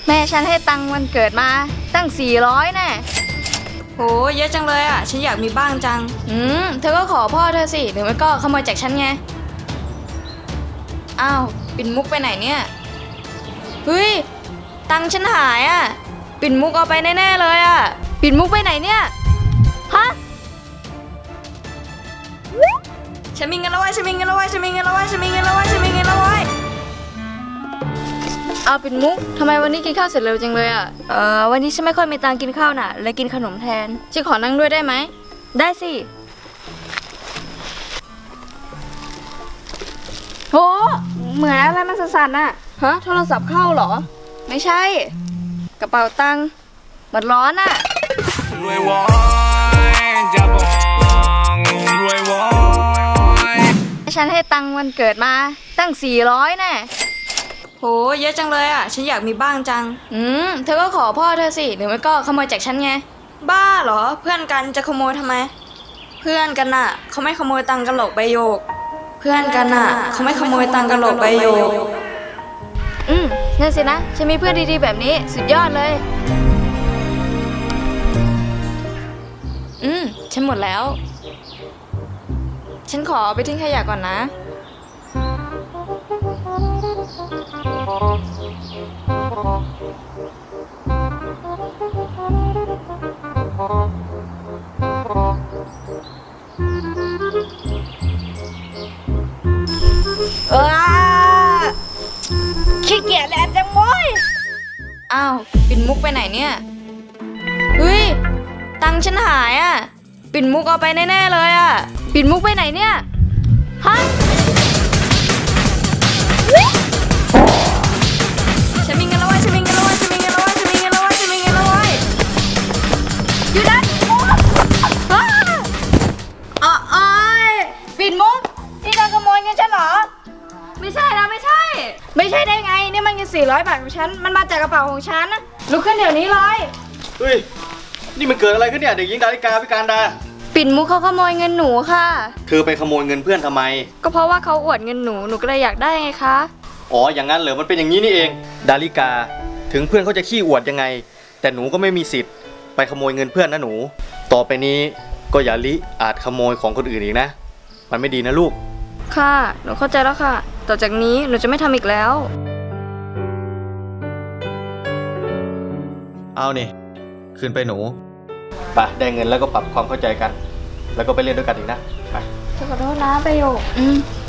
แม่ฉันให้ตังค์วันเกิดมาตั้ง400แน่โหเยอะจังเลยอ่ะฉันอยากมีบ้างจังเธอก็ขอพ่อเธอสิหรือไม่ก็ขโมยจากฉันไงอ้าวปิ่นมุกไปไหนเนี่ยเฮ้ยตังค์ฉันหายอ่ะปิ่นมุกเอาไปแน่ๆเลยอ่ะปิ่นมุกไปไหนเนี่ยฮะฉันมีเงินแล้วเว้ยฉันมีเงินแล้วเว้ยฉันมีเงินแล้วเว้ยฉันมีเงินแล้วเว้ยฉันมีเงินแล้วเว้ยเอาปิ่นมุกทำไมวันนี้กินข้าวเสร็จเร็วจังเลยอ่ะวันนี้ฉันไม่ค่อยมีตังค์กินข้าวน่ะเลยกินขนมแทนฉันขอนั่งด้วยได้ไหมได้สิโหเหมือนอะไรมันสั่นๆน่ะฮะโทรศัพท์เข้าเหรอไม่ใช่กระเป๋าตังค์หมดร้อนน่ะรวยวอยจะบอกรวยวอยฉันให้ตังค์วันเกิดมาตั้ง400แน่โหเยอะจังเลยอ่ะฉันอยากมีบ้างจังเธอก็ขอพ่อเธอสิหรือไม่ก็ขโมยจากฉันไงบ้าเหรอเพื่อนกันจะขโมยทำไมเพื่อนกันน่ะเขาไม่ขโมยตังกันหรอกใบโยกเพื่อนกันน่ะเขาไม่ขโมยตังกันหรอกใบโยกนั่นสินะฉันมีเพื่อนดีๆแบบนี้สุดยอดเลยฉันหมดแล้วฉันขอไปทิ้งขยะก่อนนะขี้เกียจแล้วจังโว้ยอ้าวปิ่นมุกไปไหนเนี่ยเฮ้ยตังค์ฉันหายอ่ะปิ่นมุกเอาไปแน่ๆเลยอ่ะปิ่นมุกไปไหนเนี่ยฮะฉันมีเงินแล้วเว้ยฉันมีเงินแล้วเว้ยฉันมีเงินแล้วเว้ยฉันมีเงินแล้วเว้ยฉันมีเงินแล้วเว้ยอยู่ด้านปิ่นมุกนี่เธอขโมยเงินฉันเหรอไม่ใช่นะไม่ใช่ได้ไงนี่มันเงิน400 บาทของฉันมันมาจากกระเป๋าของฉันลุกขึ้นเดี๋ยวนี้เลยเฮ้ยนี่มันเกิดอะไรขึ้นเนี่ยเด็กหญิงดาริกาพิการดาปิ่นมุกเขาขโมยเงินหนูค่ะเธอไปขโมยเงินเพื่อนทำไมก็เพราะว่าเขาอวดเงินหนูก็เลยอยากได้ไงคะอ๋ออย่างนั้นเหรอมันเป็นอย่างนี้นี่เองดาริกาถึงเพื่อนเขาจะขี้อวดยังไงแต่หนูก็ไม่มีสิทธิ์ไปขโมยเงินเพื่อนนะหนูต่อไปนี้ก็อย่าลิอาจขโมยของคนอื่นอีกนะมันไม่ดีนะลูกค่ะหนูเข้าใจแล้วค่ะต่อจากนี้หนูจะไม่ทำอีกแล้วเอานี่คืนไปหนูไปได้เงินแล้วก็ปรับความเข้าใจกันแล้วก็ไปเล่นด้วยกันอีกนะไปขอโทษนะประโยค